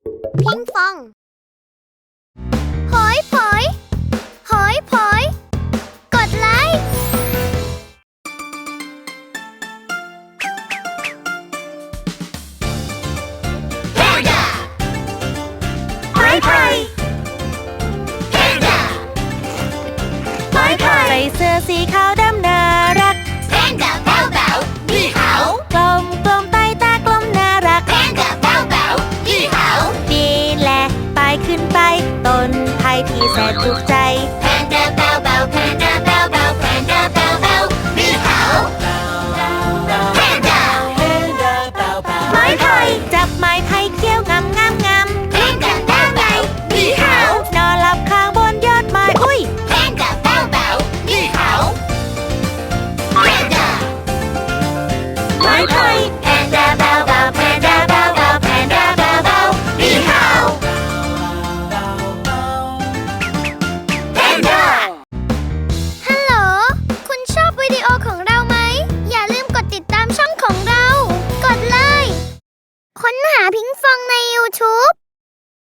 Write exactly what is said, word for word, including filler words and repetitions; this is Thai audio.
พิงฟองหอยผอยหอยผอยกดไลค์แพนด้าหอยผอยแพนด้าหอยผอยใส่เสื้อสีขาวดำน่ารักแพนด้าเบาเบานี่เขากลมกลมไตตากลมน่ารักแพนด้าเบาเบานี่เขานี่แหละไปขึ้นไปต้นไผ่ที่แสนถูกใจแพนด้าเบาเบาแพนด้าเบาเบาแพนด้าเบาเบานี่เขาแพนด้าไม้ไผ่จับไม้ไผ่เขี้ยวงำงำงำแพนด้าเบาเบานี่เขานอนหลับข้างบนยอดไม้อุ้ยแพนด้าเบาเบานี่เขาแพนด้าไม้ไผ่แพนด้าเบาเบาแพนด้าเบาเบาแพนด้าเบาเบานี่เขาแพนด้าฮัลโหลคุณชอบวิดีโอของเราไหมอย่าลืมกดติดตามช่องของเรากดเลยค้นหาพิงฟองใน ยูทูบ